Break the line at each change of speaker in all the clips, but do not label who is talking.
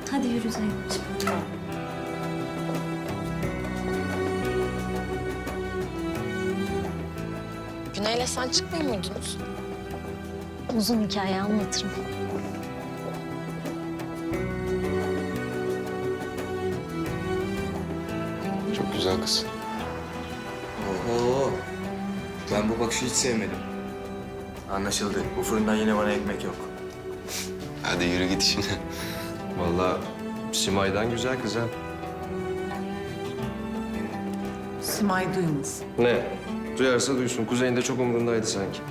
Hadi yürü Zeynep'ciğim.
Güney'le sen çıkmıyor muydunuz?
Uzun hikaye anlatırım.
Çok güzel kız.
Oho. Ben bu bakışı hiç sevmedim. Anlaşıldı. Bu fırından yine bana ekmek yok.
Hadi yürü git işine.
Vallahi Simay'dan güzel kız ha.
Simay duymaz.
Ne? Duyarsa duysun. Kuzey'inde çok umurundaydı sanki.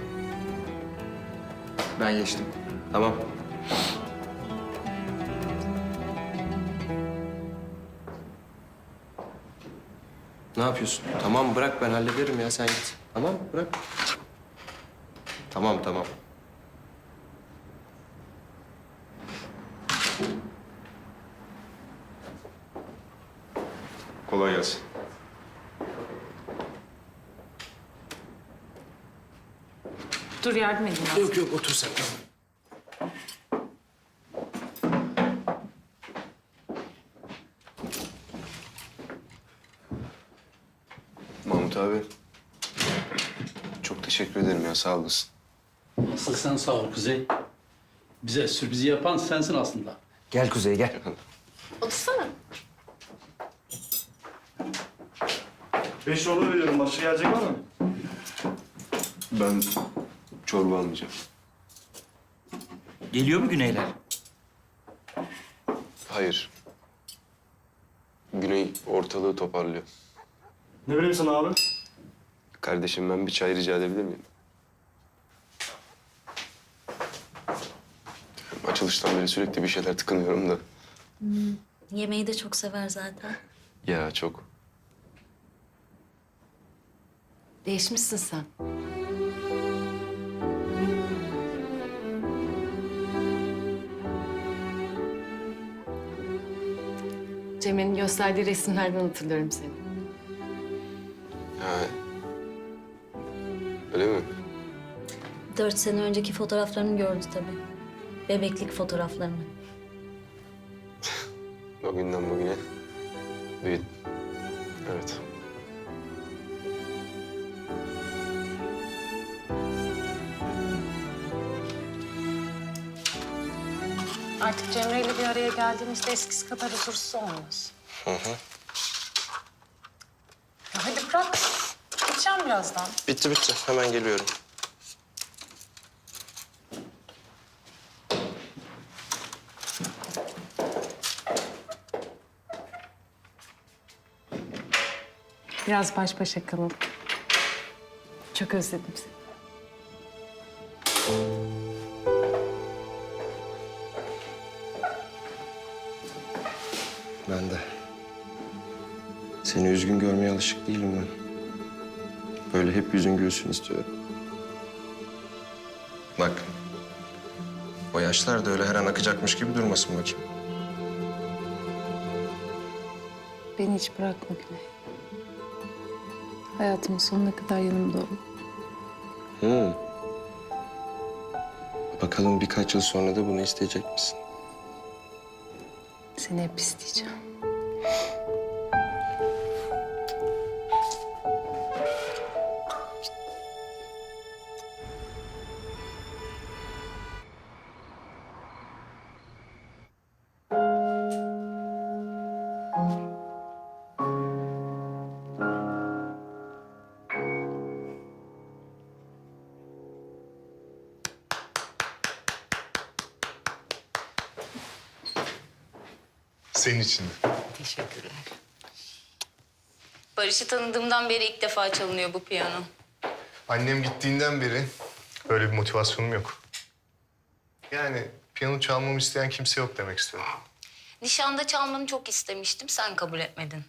Ben geçtim.
Tamam. Ne yapıyorsun? Tamam bırak ben hallederim ya sen git. Tamam bırak. Tamam tamam. Kolay gelsin.
Dur yardım edin. Yok.
Yok yok otur sen.
Mahmut abi. Çok teşekkür ederim ya sağ olasın.
Asıl sen sağ ol Kuzey. Bize sürprizi yapan sensin aslında.
Gel Kuzey gel.
Otursana.
5 yolu veriyorum. Başka gelecek var mı?
Ben çorba almayacağım.
Geliyor mu Güneyler?
Hayır. Güney ortalığı toparlıyor.
Ne vereyim sana abi?
Kardeşim ben bir çay rica edebilir miyim? Açılıştan beri sürekli bir şeyler tıkınıyorum da.
Yemeği de çok sever zaten.
Ya çok.
Değişmişsin sen. Cem'in gösterdiği resimlerden hatırlıyorum seni.
Ha. Öyle mi?
4 sene önceki fotoğraflarını gördü tabii. Bebeklik fotoğraflarını.
O günden bugüne büyüdüm. Evet.
Artık Cemre'yle bir araya geldiğimizde eskisi kadar huzursuz olmuyoruz. Ya hadi bırak. Gideceğim birazdan.
Bitti bitti. Hemen geliyorum.
Biraz baş başa kalalım. Çok özledim seni.
Ben de. Seni üzgün görmeye alışık değilim ben. Böyle hep yüzün gülsün istiyorum. Bak. O yaşlar da öyle her an akacakmış gibi durmasın bakayım.
Beni hiç bırakma Güney. Hayatımın sonuna kadar yanımda ol.
Bakalım birkaç yıl sonra da bunu isteyecek misin?
Seni hep isteyeceğim.
Senin için de.
Teşekkürler. Barış'ı tanıdığımdan beri ilk defa çalınıyor bu piyano.
Annem gittiğinden beri öyle bir motivasyonum yok. Yani piyano çalmamı isteyen kimse yok demek istiyorum.
Nişanda çalmanı çok istemiştim, sen kabul etmedin.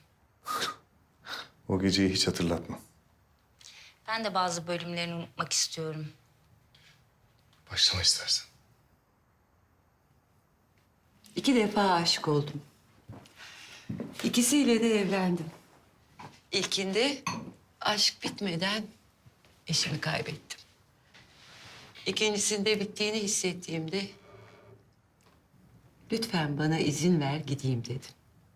O geceyi hiç hatırlatma.
Ben de bazı bölümlerini unutmak istiyorum.
Başlama istersen.
2 defa aşık oldum. İkisiyle de evlendim. İlkinde aşk bitmeden eşimi kaybettim. İkincisinde bittiğini hissettiğimde Lütfen bana izin ver gideyim dedim.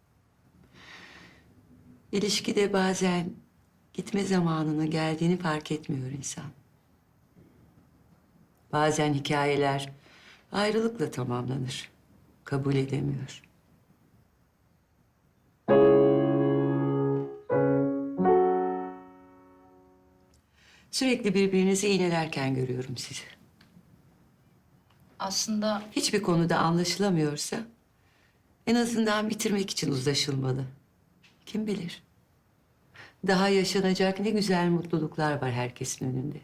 İlişkide bazen gitme zamanının geldiğini fark etmiyor insan. Bazen hikayeler ayrılıkla tamamlanır. Kabul edemiyor. Sürekli birbirinizi iğnelerken görüyorum sizi.
Aslında
Hiçbir konuda anlaşılamıyorsa en azından bitirmek için uzlaşılmalı. Kim bilir? Daha yaşanacak ne güzel mutluluklar var herkesin önünde.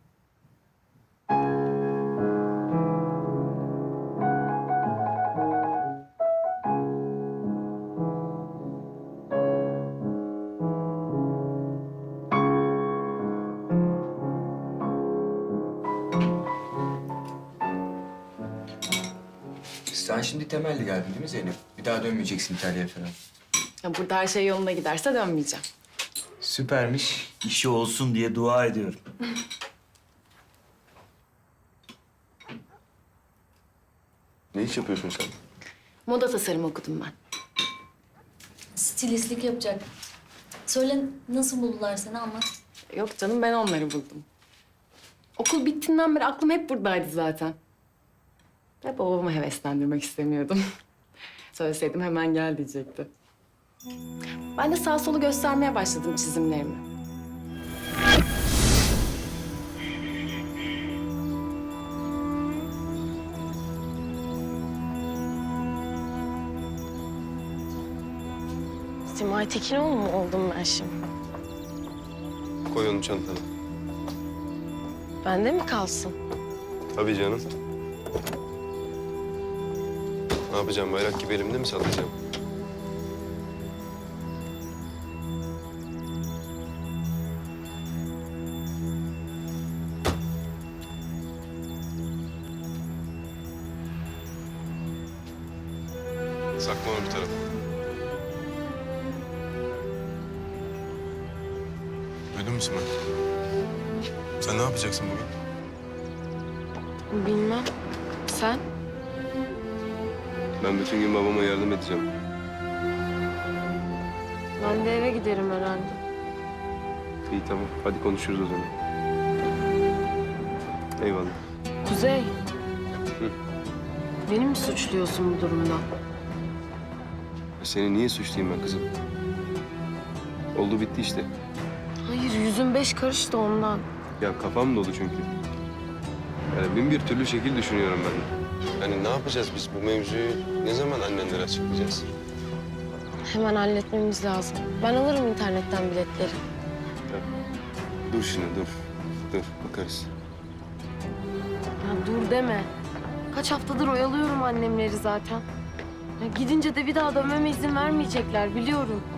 Sen şimdi temelli geldin değil mi Zeynep? Bir daha dönmeyeceksin İtalya'ya falan.
Ya burada her şey yolunda giderse dönmeyeceğim.
Süpermiş.
İşi olsun diye dua ediyorum.
Ne iş yapıyorsun sen?
Moda tasarım okudum ben.
Stilistlik yapacak. Söyle nasıl buldular seni anlat.
Yok canım ben onları buldum. Okul bittiğinden beri aklım hep buradaydı zaten. Ve babamı heveslendirmek istemiyordum. Söyleseydim hemen gel diyecekti. Ben de sağ solu göstermeye başladım çizimlerimi. Simay Tekinoğlu mu oldum ben şimdi?
Koy onu çantana.
Bende mi kalsın?
Tabii canım. Ne yapacağım? Bayrak gibi elimde mi sallayacağım? Sakla onu bir tarafa. Duydun mu Simay? Sen ne yapacaksın bugün?
Bilmem. Sen?
Ben bütün gün babama yardım edeceğim.
Ben de eve giderim herhalde.
İyi tamam. Hadi konuşuruz o zaman. Eyvallah.
Kuzey. Beni mi suçluyorsun bu durumda?
Seni niye suçlayayım ben kızım? Oldu bitti işte.
Hayır, yüzün 5 karış da ondan.
Ya kafam dolu çünkü. Yani bin bir türlü şekil düşünüyorum ben de. Hani ne yapacağız biz bu mevzuyu? Ne zaman annenlere açıklayacağız?
Hemen halletmemiz lazım. Ben alırım internetten biletleri.
Ya, dur şimdi dur. Dur bakarız.
Ya dur deme. Kaç haftadır oyalıyorum annemleri zaten. Ya gidince de bir daha dönmeme izin vermeyecekler biliyorum.